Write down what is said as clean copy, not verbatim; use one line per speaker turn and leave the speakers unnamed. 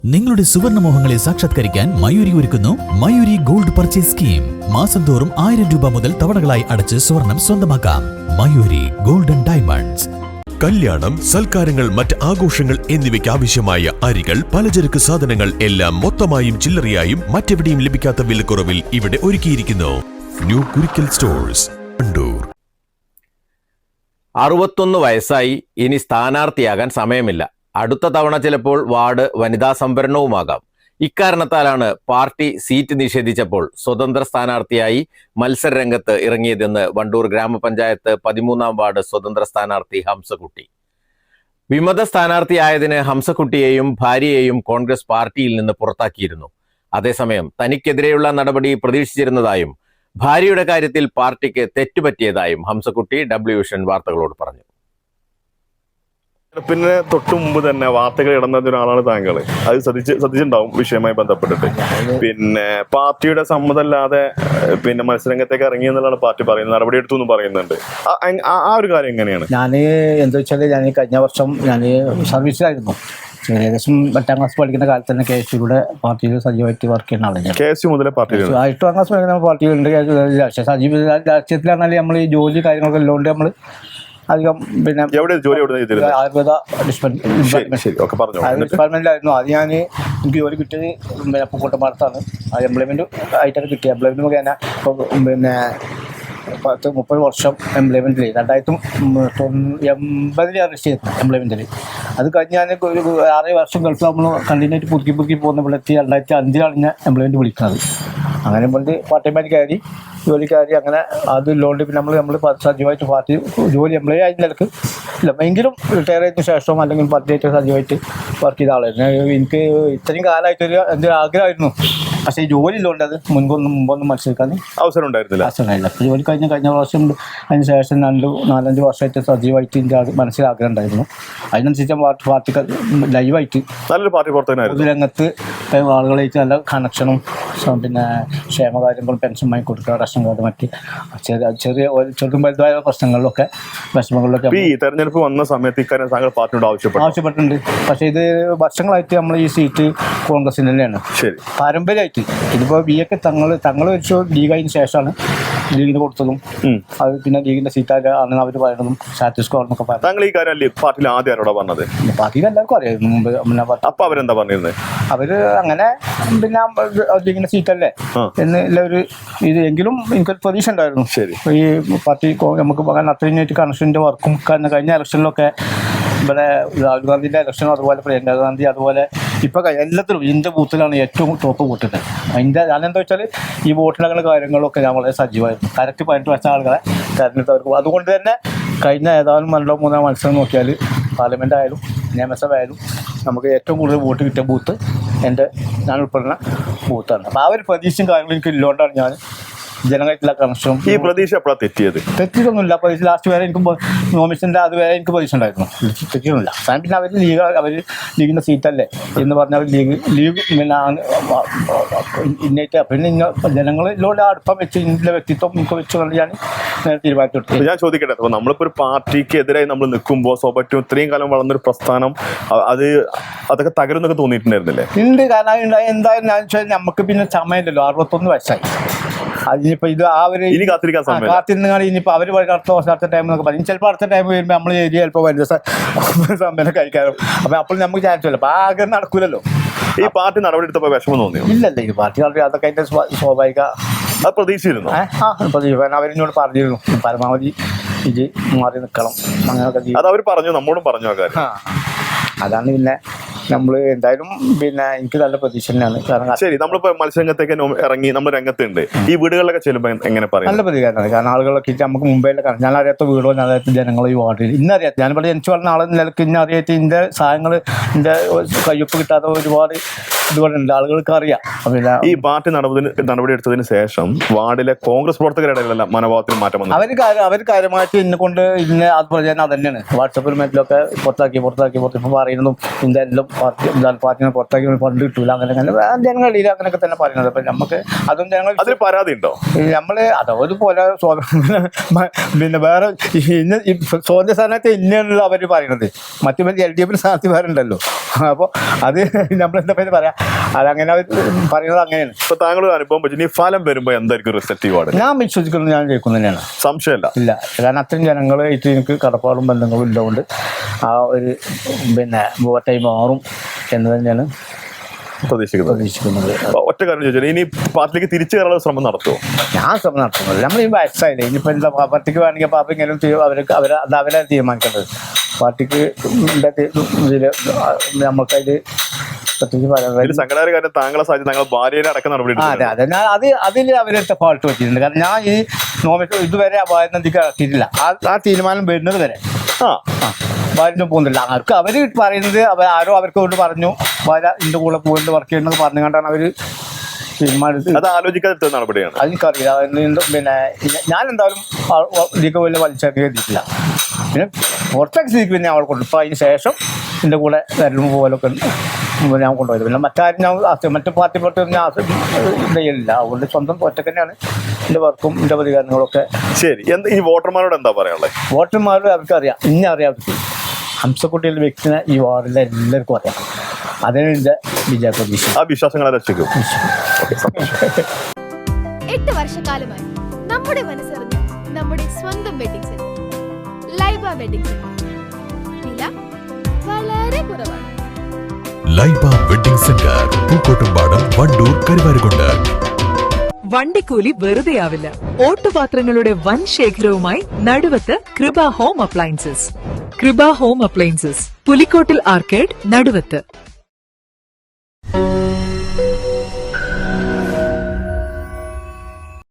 നിങ്ങളുടെ സുവർണമോഹങ്ങളെ സാക്ഷാത്കരിക്കാൻ മയൂരി ഒരുക്കുന്നു മയൂരി ഗോൾഡ് പർച്ചേസ് സ്കീം. മാസം തോറും 1000 രൂപ മുതൽ തവണകളായി അടച്ച് സ്വർണം സ്വന്തമാക്കാം. Mayuri golden diamonds.
കല്യാണം, സൽക്കാരങ്ങൾ, മറ്റ് ആഘോഷങ്ങൾ എന്നിവയ്ക്ക് ആവശ്യമായ അരികൾ, പലചരക്ക് സാധനങ്ങൾ എല്ലാം മൊത്തമായും ചില്ലറയായും മറ്റെവിടെയും ലഭിക്കാത്ത വിലക്കുറവിൽ ഇവിടെ ഒരുക്കിയിരിക്കുന്നു. New Kurikkal stores, Wandoor.
61 വയസ്സായി, ഇനി സ്ഥാനാർത്ഥിയാകാൻ സമയമില്ല. അടുത്ത തവണ ചിലപ്പോൾ വാർഡ് വനിതാ സംവരണവുമാകാം. ഇക്കാരണത്താലാണ് പാർട്ടി സീറ്റ് നിഷേധിച്ചപ്പോൾ സ്വതന്ത്ര സ്ഥാനാർത്ഥിയായി മത്സരരംഗത്ത് ഇറങ്ങിയതെന്ന് വണ്ടൂർ ഗ്രാമപഞ്ചായത്ത് 13-ാം വാർഡ് സ്വതന്ത്ര സ്ഥാനാർത്ഥി ഹംസക്കുട്ടി. വിമത സ്ഥാനാർത്ഥിയായതിന് ഹംസക്കുട്ടിയെയും ഭാര്യയെയും കോൺഗ്രസ് പാർട്ടിയിൽ നിന്ന് പുറത്താക്കിയിരുന്നു. അതേസമയം തനിക്കെതിരെയുള്ള നടപടി പ്രതീക്ഷിച്ചിരുന്നതായും ഭാര്യയുടെ കാര്യത്തിൽ പാർട്ടിക്ക് തെറ്റുപറ്റിയതായും ഹംസക്കുട്ടി WVsion വാർത്തകളോട് പറഞ്ഞു.
പിന്നെ തൊട്ടു മുമ്പ് തന്നെ വാർത്തകൾ ഇടുന്ന ഒരാളാണ് താങ്കൾ. അത് ശ്രദ്ധിച്ചിട്ടുണ്ടാവും വിഷയവുമായി ബന്ധപ്പെട്ടിട്ട്. പിന്നെ പാർട്ടിയുടെ സമ്മതമല്ലാതെ പിന്നെ മത്സരരംഗത്തേക്ക് ഇറങ്ങി എന്നുള്ളതാണ് പാർട്ടി പറയുന്നത്. നടപടി എടുത്തു എന്ന് പറയുന്നുണ്ട്. ആ ഒരു കാര്യം എങ്ങനെയാണ്?
ഞാൻ എന്താ വെച്ചാൽ, ഞാൻ കഴിഞ്ഞ വർഷം ഞാൻ സർവീസിലായിരുന്നു. ഏകദേശം 8ാം ക്ലാസ് പഠിക്കുന്ന കാലത്ത് തന്നെ KSUയുടെ പാർട്ടിയിൽ സജീവമായിട്ട് വർക്ക് ചെയ്യുന്ന ആളാണ്.
KSU മുതലേ പാർട്ടിയിൽ
8ാം ക്ലാസ് പഠിക്കുന്ന പാർട്ടിയിലുണ്ട്. സജീവ രാഷ്ട്രീയത്തിലാണെങ്കിൽ നമ്മൾ ഈ ജോലി കാര്യങ്ങളൊക്കെ ഉള്ളതുകൊണ്ട് നമ്മൾ അധികം പിന്നെ ആയുർവേദ ഡിപ്പാർട്ട്മെന്റിലായിരുന്നു. അത് എനിക്ക് ജോലി കിട്ടിയത് പിന്നെ പൂക്കോട്ടമാടത്താണ്. ആ എംപ്ലോയ്മെന്റ് ആയിട്ടാണ് കിട്ടിയത്. എംപ്ലോയ്മെന്റ് മുഖേന ഇപ്പോൾ പിന്നെ 30 വർഷം എംപ്ലോയ്മെന്റിൽ 1980 രജിസ്റ്റർ ചെയ്തു എംപ്ലോയ്മെന്റിൽ. അത് കഴിഞ്ഞ് ഞാൻ ഒരു 6 വർഷം ഗൾഫ് നമ്മൾ കണ്ടിന്യൂ ആയിട്ട് പുതുക്കി പോകുന്ന ഇവിടെ 2005 ഞാൻ എംപ്ലോയ്മെന്റ് വിളിക്കുന്നത്. അങ്ങനെ കൊണ്ട് പാർട്ട് ടൈമായിട്ട് കയറി ജോലിക്കാരി അങ്ങനെ അതില്ലോണ്ട് പിന്നെ നമ്മൾ സജീവമായിട്ട് പാർട്ടി ജോലി എംപ്ലോയി ആയ നിലക്ക് ഇല്ല, എങ്കിലും റിട്ടയർ ചെയ്തതിന് ശേഷം അല്ലെങ്കിൽ പാർട്ടിയായിട്ട് സജീവമായിട്ട് വർക്ക് ചെയ്ത ആളായിരുന്നു. എനിക്ക് ഇത്രയും കാലമായിട്ടൊരു എന്തൊരു ആഗ്രഹമായിരുന്നു. പക്ഷേ ഈ ജോലി ഇല്ലോണ്ട് അത് മുമ്പൊന്നും മത്സരിക്കാൻ
അവസരം ഉണ്ടായിരുന്നില്ല.
അപ്പോൾ ജോലി കഴിഞ്ഞ പ്രാവശ്യം അതിന് ശേഷം 4-5 വർഷമായിട്ട് സജീവമായിട്ട് എൻ്റെ മനസ്സിൽ ആഗ്രഹം ഉണ്ടായിരുന്നു. അതിനനുസരിച്ച് പാർട്ടിക്ക് ലൈവായിട്ട്
നല്ലൊരു പാർട്ടി
പൊതുരംഗത്ത് ആളുകളായിട്ട് നല്ല കണക്ഷനും പിന്നെ ക്ഷേമകാര്യങ്ങളും പെൻഷൻ വാങ്ങി കൊടുക്കുക, റേഷൻ കാർഡ്, മറ്റ് ചെറുതും വലുതായ പ്രശ്നങ്ങളിലൊക്കെ വിഷമങ്ങളിലൊക്കെ
ഈ തെരഞ്ഞെടുപ്പ് വന്ന സമയത്ത് ഇക്കാര്യം താങ്കൾ പാർട്ടിയോട്
ആവശ്യപ്പെട്ടിട്ടുണ്ട്. പക്ഷേ ഇത് വർഷങ്ങളായിട്ട് നമ്മൾ ഈ സീറ്റ് കോൺഗ്രസിന് തന്നെയാണ് പാരമ്പര്യമായിട്ട്. ഇതിപ്പോൾ BA തങ്ങൾ വെച്ചു ലീഗായതിനു ശേഷമാണ് ലീഗിന് കൊടുത്തതും അത് പിന്നെ ലീഗിന്റെ സീറ്റാണ് അവർ പറയുന്നതും സ്റ്റാറ്റസ് കോ എന്നൊക്കെ പറഞ്ഞു.
താങ്കൾ ഈ കാര്യം പാർട്ടിയിൽ ആദ്യം ആരോടാ പറഞ്ഞത്?
പാർട്ടിയിൽ എല്ലാവർക്കും അറിയായിരുന്നു മുമ്പ്.
അപ്പൊ അവരെന്താ പറഞ്ഞിരുന്നത്?
അവര് അങ്ങനെ പിന്നെ ലീഗിന്റെ സീറ്റല്ലേ എന്നുള്ള ഒരു ഇത് എങ്കിലും എനിക്കൊരു പ്രതീക്ഷ ഉണ്ടായിരുന്നു.
ശരി,
ഈ പാർട്ടി നമുക്ക് അത്രയും കണക്ഷൻ്റെ വർക്കും കഴിഞ്ഞ ഇലക്ഷനിലൊക്കെ ഇവിടെ രാഹുൽ ഗാന്ധിന്റെ ഇലക്ഷനും അതുപോലെ പ്രിയങ്ക ഗാന്ധി അതുപോലെ ഇപ്പൊ എല്ലാത്തിലും ഇതിന്റെ ബൂത്തിലാണ് ഏറ്റവും ടോപ്പ് വോട്ടിട്ട്. അതിന്റെ ഞാനെന്താ വെച്ചാൽ ഈ വോട്ടിനങ്ങളുടെ കാര്യങ്ങളൊക്കെ ഞാൻ വളരെ സജീവമായിരുന്നു. കറക്റ്റ് 18 വയസ്സ ആളുകളെ തെരഞ്ഞെടുത്തവർക്ക്. അതുകൊണ്ട് തന്നെ കഴിഞ്ഞ ഏതാനും 2-3 മത്സരം നോക്കിയാൽ പാർലമെന്റ് ആയാലും നിയമസഭ ആയാലും നമുക്ക് ഏറ്റവും കൂടുതൽ വോട്ട് കിട്ടിയ ബൂത്ത് ഞാൻ ഉൾപ്പെടുന്ന ബൂത്താണ്. അപ്പോൾ ആ ഒരു പ്രതീക്ഷയും കാര്യങ്ങളും എനിക്ക് ഇല്ലോണ്ടാണ് ഞാൻ ജനങ്ങളായിട്ടുള്ള കണക്ഷനും.
ഈ പ്രതീക്ഷ എപ്പോഴാണ്
തെറ്റിയൊന്നുമില്ല. പ്രതീക്ഷ ലാസ്റ്റ് വരെ എനിക്ക് നോമിനേഷൻ്റെ അതുവരെ എനിക്ക് പ്രതീക്ഷ ഉണ്ടായിരുന്നു. തെറ്റിയൊന്നുമില്ല. പിന്നെ അവർ ലീഗിൻ്റെ സീറ്റല്ലേ എന്ന് പറഞ്ഞാൽ ലീഗ് പിന്നെ ഇന്നേറ്റ് പിന്നെ ജനങ്ങളിലൂടെ അടുപ്പം വെച്ച് ഇതിൻ്റെ വ്യക്തിത്വം എനിക്ക് വെച്ച് കൊണ്ട് ഞാൻ തീരുമാനിച്ചെടുത്തു.
ഞാൻ ചോദിക്കട്ടെ, അപ്പോൾ നമ്മളിപ്പോൾ ഒരു പാർട്ടിക്ക് എതിരായി നമ്മൾ നിൽക്കുമ്പോൾ സ്വാഭാവികം ഇത്രയും കാലം വളർന്നൊരു പ്രസ്ഥാനം അതൊക്കെ തകരുന്നൊക്കെ തോന്നിയിട്ടുണ്ടായിരുന്നില്ലേ?
ഉണ്ട്. കാരണം എന്തായാലും ഞാൻ വെച്ചാൽ നമുക്ക് പിന്നെ സമയമില്ലല്ലോ. 61 വയസ്സായി. അതിനിപ്പോൾ ഇത് കാത്തിരുന്നാണ്. ഇനിയിപ്പോൾ അവർ അടുത്ത ടൈം എന്നൊക്കെ പറയും. ചിലപ്പോൾ അടുത്ത ടൈം വരുമ്പോൾ നമ്മൾ ഏരിയ ചിലപ്പോൾ വരുന്ന സമയം കഴിക്കാനും അപ്പം അപ്പോൾ നമുക്ക് ചാൻസ് ഇല്ല. അപ്പോൾ ആഗ്രഹം നടക്കൂലല്ലോ.
ഈ പാർട്ടി നടപടി എടുത്തപ്പോൾ വിഷമം തോന്നിയോ?
ഇല്ലല്ലേ, ഈ പാർട്ടി നടപടി അതൊക്കെ അതിൻ്റെ സ്വാഭാവിക
പ്രതീക്ഷിച്ചിരുന്നു.
അവരിനോട് പറഞ്ഞിരുന്നു പരമാവധി ഇത് മാറി നിൽക്കണം അങ്ങനെയൊക്കെ.
അത് അവർ പറഞ്ഞു, നമ്മോടും പറഞ്ഞു ആ കാര്യം.
അതാണ് പിന്നെ നമ്മൾ എന്തായാലും പിന്നെ എനിക്ക് നല്ല പ്രതീക്ഷ തന്നെയാണ്. കാരണം
ശരി, നമ്മളിപ്പോ മത്സരരംഗത്തേക്ക് ഇറങ്ങി നമ്മൾ രംഗത്തുണ്ട്. ഈ വീടുകളിലൊക്കെ ചെല്ലുമ്പോൾ എങ്ങനെ പറയും?
നല്ല പ്രതികരണമാണ്. കാരണം ആളുകളൊക്കെ നമുക്ക് മുമ്പേലെ കാണാം. ഞാൻ അറിയാത്ത വീടോ ഞാൻ അറിയാത്ത ജനങ്ങളോ ഈ വാർഡിൽ ഇന്നറിയാത്ത ഞാനിവിടെ ജനിച്ചു പറഞ്ഞ ആളെ നിലക്ക് ഇന്ന അറിയാത്ത ഇതിൻ്റെ സാധനങ്ങൾ ഇതിൻ്റെ കയ്യൊപ്പ് കിട്ടാത്ത ഒരുപാട് ഇതുപോലുണ്ട്. ആളുകൾക്ക് അറിയാം. പിന്നെ
ഈ പാർട്ടി നടപടി എടുത്തതിന് ശേഷം വാർഡിലെ കോൺഗ്രസ് പ്രവർത്തകരുടെ മനോഭാവത്തിന് മാറ്റം വന്നു.
അവർ കാര്യമായിട്ട് ഇന്നെ കൊണ്ട് അത് പ്രചാരണം അത് തന്നെയാണ്. വാട്സപ്പിൽ മറ്റിലൊക്കെ പുറത്താക്കി ഇപ്പം പറയുന്നതും ഇതിൻ്റെ എല്ലാം പാർട്ടിനെ പുറത്താക്കി ഫണ്ട് കിട്ടൂല അങ്ങനെ ജനങ്ങളിൽ അങ്ങനെയൊക്കെ തന്നെ പറയുന്നത്. അപ്പം നമുക്ക് അതും ജനങ്ങൾ
അതിൽ പരാതി ഉണ്ടോ?
നമ്മൾ അതുപോലെ പിന്നെ വേറെ സ്വാതന്ത്ര്യ സ്ഥാനത്ത് ഇന്നല്ല അവർ പറയുന്നത്. മറ്റു LDF സ്ഥാനാർത്ഥി വേറുണ്ടല്ലോ. അപ്പോൾ അത് നമ്മളെന്താ പേര് പറയാം, അതങ്ങനെ പറയുന്നത് അങ്ങനെയാണ്.
ഇപ്പൊ താങ്കൾ അനുഭവം പറ്റി ഇനി ഫലം വരുമ്പോ എന്തായിരിക്കും റിസൾട്ട് ഈ വാർഡ്?
ഞാൻ വിശ്വസിക്കുന്നത് ഞാൻ ജയിക്കുന്നു തന്നെയാണ്,
സംശയമല്ല.
ഇല്ല. കാരണം അത്രയും ജനങ്ങളായിട്ട് എനിക്ക് കടപ്പാടും ബന്ധങ്ങളും ഇല്ലതുകൊണ്ട് ആ ഒരു വോട്ടായി മാറും എന്ന് തന്നെയാണ് പ്രതീക്ഷിക്കുന്നത്.
ഒറ്റ കാര്യം ചോദിച്ചാൽ ഇനി പാർട്ടിയിലേക്ക് തിരിച്ചു കയറാനുള്ള ശ്രമം നടത്തുമോ?
ഞാൻ ശ്രമം നടത്തുന്നത് നമ്മൾ ഈ വയസ്സായില്ലേ, ഇനിയിപ്പോൾ എന്താ പാർട്ടിക്ക് വേണമെങ്കിൽ പാപ്പ ഇങ്ങനെ അവരെ തീരുമാനിക്കേണ്ടത്. പാർട്ടിക്ക് ഇതിൽ നമുക്കതിൽ പ്രത്യേകിച്ച് പറയാൻ
സംഘടന കാര്യം താങ്കളെ സാധ്യത താങ്കൾ ഭാര്യനെ അടക്കം നടപടി.
അതെ അതെ, ഞാൻ അതിൽ അവരെടുത്ത ഫാൾട്ട് പറ്റിയിട്ടുണ്ട്. കാരണം ഞാൻ ഈ ഇതുവരെ അപായനന്ദിക്ക് ഇറക്കിയിട്ടില്ല. ആ തീരുമാനം വരുന്നത് വരെ ഭാര്യ പോകുന്നില്ല. അവർക്ക് അവർ പറയുന്നത് ആരോ അവർക്ക് കൊണ്ട് പറഞ്ഞു ഭാര്യ ഇതിൻ്റെ കൂടെ പോയിട്ട് വർക്ക് ചെയ്യണമെന്ന് പറഞ്ഞുകൊണ്ടാണ് അവർ തീരുമാനിച്ചത്.
അത് ആലോചിക്കാത്ത നടപടിയാണ്.
അതെനിക്കറിയില്ല. പിന്നെ ഞാൻ എന്തായാലും ഇതിക്ക് വലിയ വലിച്ചേക്ക് എത്തിയിട്ടില്ല. പിന്നെ പുറത്തേക്ക് സ്ഥിതിക്ക് പിന്നെ അവൾ കൊണ്ട് ഇപ്പോൾ അതിന് ശേഷം എൻ്റെ കൂടെ വരലും പോലൊക്കെ ഞാൻ കൊണ്ടുപോയത്. പിന്നെ മറ്റാരും ഞാൻ മറ്റു പാർട്ടി പുറത്ത് ഞാൻ ചെയ്യലില്ല. അതുകൊണ്ട് സ്വന്തം ഒറ്റക്ക് തന്നെയാണ് എൻ്റെ വർക്കും എൻ്റെ പ്രതികരണങ്ങളൊക്കെ.
ശരി, ഈ വോട്ടർമാരോട് എന്താ പറയാനുള്ളത്?
വോട്ടർമാരോട് അവർക്കറിയാം, ഇന്നെ അറിയാം. ഹംസക്കുട്ടിയുടെ വ്യക്തിനെ ഈ വാർഡിലെ എല്ലാവർക്കും അറിയാം. അതിന് എൻ്റെ വിജയ പ്രതീക്ഷ.
ആ വിശ്വാസങ്ങളെ രക്ഷിക്കും.
8 വർഷക്കാലമായി നമ്മുടെ മനസ്സറിഞ്ഞ നമ്മുടെ സ്വന്തം wedding centre Laiba wedding centre. വില വളരെ കുറവാണ്.
Laiba wedding centre, Pookkottumpadam, Wandoor, Karuvarakundu.
വണ്ടിക്കൂലി വെറുതെയാവില്ല. ഓട്ടുപാത്രങ്ങളുടെ വൻ ശേഖരവുമായി Naduvath Krupa home appliances. Krupa home appliances, Pulikkottil arcade, നടുവത്ത്.